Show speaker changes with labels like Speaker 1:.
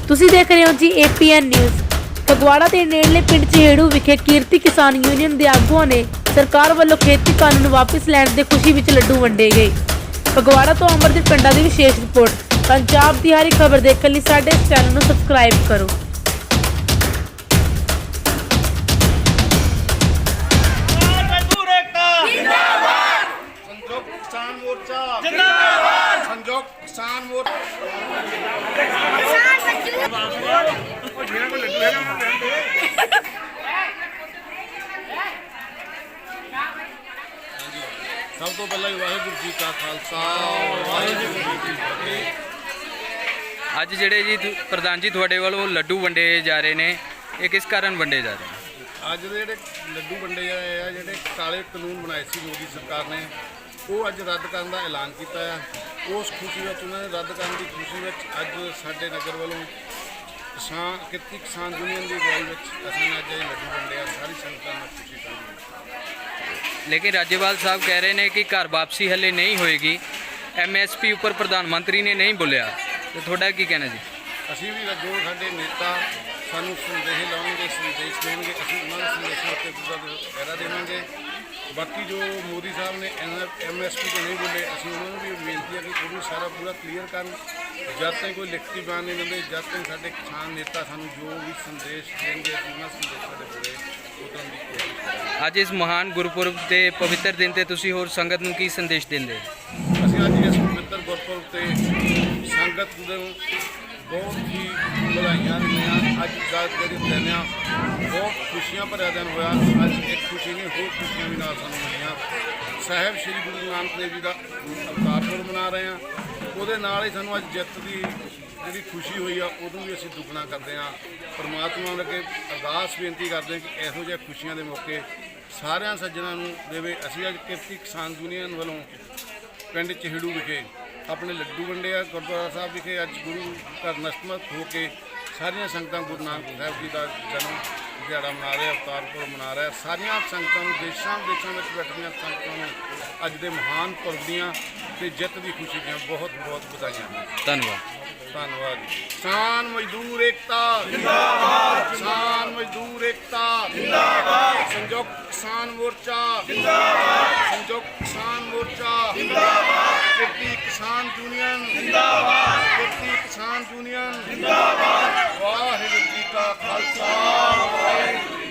Speaker 1: ਤੁਸੀਂ ਦੇਖ ਰਹੇ ਹੋ ਜੀ APN ਨਿਊਜ਼। ਫਗਵਾੜਾ ਦੇ ਨੇੜਲੇ ਪਿੰਡ ਚਹੇੜੂ ਵਿਖੇ ਕਿਰਤੀ ਕਿਸਾਨ ਯੂਨੀਅਨ ਦੇ ਆਗੂਆਂ ਨੇ ਸਰਕਾਰ ਵੱਲੋਂ ਖੇਤੀ ਕਾਨੂੰਨ ਵਾਪਸ ਲੈਣ ਦੇ ਖੁਸ਼ੀ ਵਿੱਚ ਲੱਡੂ ਵੰਡੇ ਗਏ। ਫਗਵਾੜਾ ਤੋਂ ਅਮਰਦੀਪ ਪਿੰਡਾਂ ਦੀ ਵਿਸ਼ੇਸ਼ ਰਿਪੋਰਟ। ਪੰਜਾਬ ਦੀ ਹਰ ਖਬਰ ਦੇਖਣ ਲਈ ਸਾਡੇ ਇਸ ਚੈਨਲ ਨੂੰ ਸਬਸਕ੍ਰਾਈਬ ਕਰੋ।
Speaker 2: संयुक्त किसान मोर्चा सब तो पहले वाहिगुरू जी का खालसा वाहिगुरू जी की फतेह।
Speaker 3: ਅੱਜ ਜਿਹੜੇ ਜੀ ਪ੍ਰਧਾਨ ਜੀ ਤੁਹਾਡੇ ਵੱਲੋਂ ਲੱਡੂ ਵੰਡੇ ਜਾ ਰਹੇ ਨੇ, ਇਹ ਕਿਸ ਕਾਰਨ ਵੰਡੇ ਜਾ ਰਹੇ ਨੇ?
Speaker 2: ਅੱਜ ਦੇ ਜਿਹੜੇ ਲੱਡੂ ਵੰਡੇ ਆ, ਜਿਹੜੇ ਕਾਲੇ ਕਾਨੂੰਨ ਬਣਾਏ ਸੀ ਮੋਦੀ ਸਰਕਾਰ ਨੇ, ਉਹ ਅੱਜ ਰੱਦ ਕਰਨ ਦਾ ਐਲਾਨ ਕੀਤਾ ਹੈ। ਉਸ ਖੁਸ਼ੀ ਵਿੱਚ ਉਹਨਾਂ ਨੇ ਰੱਦ ਕਰਨ ਦੀ ਖੁਸ਼ੀ ਵਿੱਚ ਅੱਜ ਸਾਡੇ ਨਗਰ ਵੱਲੋਂ ਕਿਰਤੀ ਕਿਸਾਨ ਯੂਨੀਅਨ ਦੀ ਅਗਵਾਈ ਵਿੱਚ ਅਸੀਂ ਅੱਜ ਇਹ ਲੱਡੂ ਵੰਡੇ ਆ। ਸਾਰੀ ਸੰਗਤਾਂ ਨਾਲ ਖੁਸ਼ੀ ਸਾਂਝੀ।
Speaker 3: ਲੇਕਿਨ ਰਾਜੇਵਾਲ ਸਾਹਿਬ ਕਹਿ ਰਹੇ ਨੇ ਕਿ ਘਰ ਵਾਪਸੀ ਹਲੇ ਨਹੀਂ ਹੋਏਗੀ, MSP ਉੱਪਰ ਪ੍ਰਧਾਨ ਮੰਤਰੀ ਨੇ ਨਹੀਂ ਬੋਲਿਆ, ਤੇ ਤੁਹਾਡਾ ਕੀ ਕਹਿਣਾ ਜੀ?
Speaker 2: ਅਸੀਂ ਵੀ ਜੋ ਸਾਡੇ ਨੇਤਾ ਸਾਨੂੰ ਸੰਦੇਸ਼ ਲਾਉਣਗੇ, ਸੰਦੇਸ਼ ਦੇਣਗੇ, ਅਸੀਂ ਉਹਨਾਂ ਦੇ ਸੰਦੇਸ਼ਾਂ ਉੱਤੇ ਪੂਰਾ ਪਹਿਰਾ ਦੇਵਾਂਗੇ। ਬਾਕੀ ਜੋ ਮੋਦੀ ਸਾਹਿਬ ਨੇ MSP ਤੇ ਨਹੀਂ ਬੋਲੇ, ਅਸੀਂ ਉਹਨਾਂ ਨੂੰ ਵੀ ਬੇਨਤੀ ਹੈ ਕਿ ਉਹ ਵੀ ਸਾਰਾ ਪੂਰਾ ਕਲੀਅਰ ਕਰਨ। ਜਦ ਤੱਕ ਕੋਈ ਲਿਖਤੀ ਬਿਆਨ ਨਹੀਂ ਦਿੰਦੇ, ਜਦ ਤੱਕ ਸਾਡੇ ਕਿਸਾਨ ਨੇਤਾ ਸਾਨੂੰ ਜੋ ਵੀ ਸੰਦੇਸ਼ ਦੇਣਗੇ, ਅਸੀਂ ਉਹਨਾਂ ਸੰਦੇਸ਼ਾਂ ਦੇ ਪੂਰੇ ਉਤਰਨ ਦੀ ਕੋਸ਼ਿਸ਼ ਕਰਾਂਗੇ।
Speaker 3: ਅੱਜ ਇਸ ਮਹਾਨ ਗੁਰਪੁਰਬ ਦੇ ਪਵਿੱਤਰ ਦਿਨ ਤੇ ਤੁਸੀਂ ਹੋਰ ਸੰਗਤ ਨੂੰ ਕੀ ਸੰਦੇਸ਼ ਦਿੰਦੇ?
Speaker 2: ਅਸੀਂ ਅੱਜ ਇਸ ਪਵਿੱਤਰ ਗੁਰਪੁਰਬ ਤੇ ਸੰਗਤ ਨੂੰ ਬਹੁਤ ਹੀ ਵਧਾਈਆਂ ਦਿੰਦੇ। ਅੱਜ ਦਾ ਜਿਹੜੇ ਦਿਨ ਆ ਬਹੁਤ ਖੁਸ਼ੀਆਂ ਭਰਿਆ ਦਿਨ ਹੋਇਆ। ਅੱਜ ਇੱਕ ਖੁਸ਼ੀ ਨਹੀਂ, ਹੋਰ ਖੁਸ਼ੀਆਂ ਵੀ ਨਾਲ ਸਾਨੂੰ ਮਿਲੀਆਂ। ਸਾਹਿਬ ਸ਼੍ਰੀ ਗੁਰੂ ਨਾਨਕ ਦੇਵ ਜੀ ਦਾ ਅਵਤਾਰ ਪੁਰਬ ਮਨਾ ਰਹੇ ਹਾਂ, ਉਹਦੇ ਨਾਲ ਹੀ ਸਾਨੂੰ ਅੱਜ ਜਿੱਤ ਦੀ ਜਿਹੜੀ ਖੁਸ਼ੀ ਹੋਈ ਆ, ਉਦੋਂ ਵੀ ਅਸੀਂ ਦੁੱਗਣਾ ਕਰਦੇ ਹਾਂ। ਪਰਮਾਤਮਾ ਅੱਗੇ ਅਰਦਾਸ ਬੇਨਤੀ ਕਰਦੇ ਹਾਂ ਕਿ ਇਹੋ ਜਿਹੇ ਖੁਸ਼ੀਆਂ ਦੇ ਮੌਕੇ ਸਾਰਿਆਂ ਸੱਜਣਾਂ ਨੂੰ ਦੇਵੇ। ਅਸੀਂ ਅੱਜ ਕਿਰਤੀ ਕਿਸਾਨ ਯੂਨੀਅਨ ਵੱਲੋਂ ਪਿੰਡ ਚਹੇੜੂ ਵਿਖੇ ਆਪਣੇ ਲੱਡੂ ਵੰਡੇ ਆ। ਗੁਰਦੁਆਰਾ ਸਾਹਿਬ ਵਿਖੇ ਅੱਜ ਗੁਰੂ ਘਰ ਨਤਮਸਤਕ ਹੋ ਕੇ ਸਾਰੀਆਂ ਸੰਗਤਾਂ ਗੁਰੂ ਨਾਨਕ ਸਾਹਿਬ ਜੀ ਦਾ ਜਨਮ ਦਿਹਾੜਾ ਮਨਾ ਰਹੇ, ਅਵਤਾਰ ਪੁਰਬ ਮਨਾ ਰਹੇ। ਸਾਰੀਆਂ ਸੰਗਤਾਂ ਨੂੰ, ਦੇਸ਼ਾਂ ਵਿਦੇਸ਼ਾਂ ਵਿੱਚ ਬੈਠੀਆਂ ਸੰਗਤਾਂ ਨੂੰ ਅੱਜ ਦੇ ਮਹਾਨ ਪੁਰਬ ਦੀਆਂ ਤੇ ਜਿੱਤ ਦੀ ਖੁਸ਼ੀ ਦੀਆਂ ਬਹੁਤ ਬਹੁਤ ਵਧਾਈਆਂ।
Speaker 3: ਧੰਨਵਾਦ।
Speaker 2: ਧੰਨਵਾਦ। ਕਿਸਾਨ ਮਜ਼ਦੂਰ ਏਕਤਾ ਜਿੰਦਾਬਾਦ, ਕਿਸਾਨ ਮਜ਼ਦੂਰ ਏਕਤਾ ਜਿੰਦਾਬਾਦ, ਸੰਯੁਕਤ ਕਿਸਾਨ ਮੋਰਚਾ ਜਿੰਦਾਬਾਦ, ਸੰਯੁਕਤ ਕਿਸਾਨ ਮੋਰਚਾ ਜਿੰਦਾਬਾਦ, ਕਿਰਤੀ ਕਿਸਾਨ ਯੂਨੀਅਨ ਜਿੰਦਾਬਾਦ, ਕਿਰਤੀ ਕਿਸਾਨ ਯੂਨੀਅਨ ਜਿੰਦਾਬਾਦ। ਵਾਹਿਗੁਰੂ ਜੀ ਕਾ ਖਾਲਸਾ ਵਾਹਿਗੁਰੂ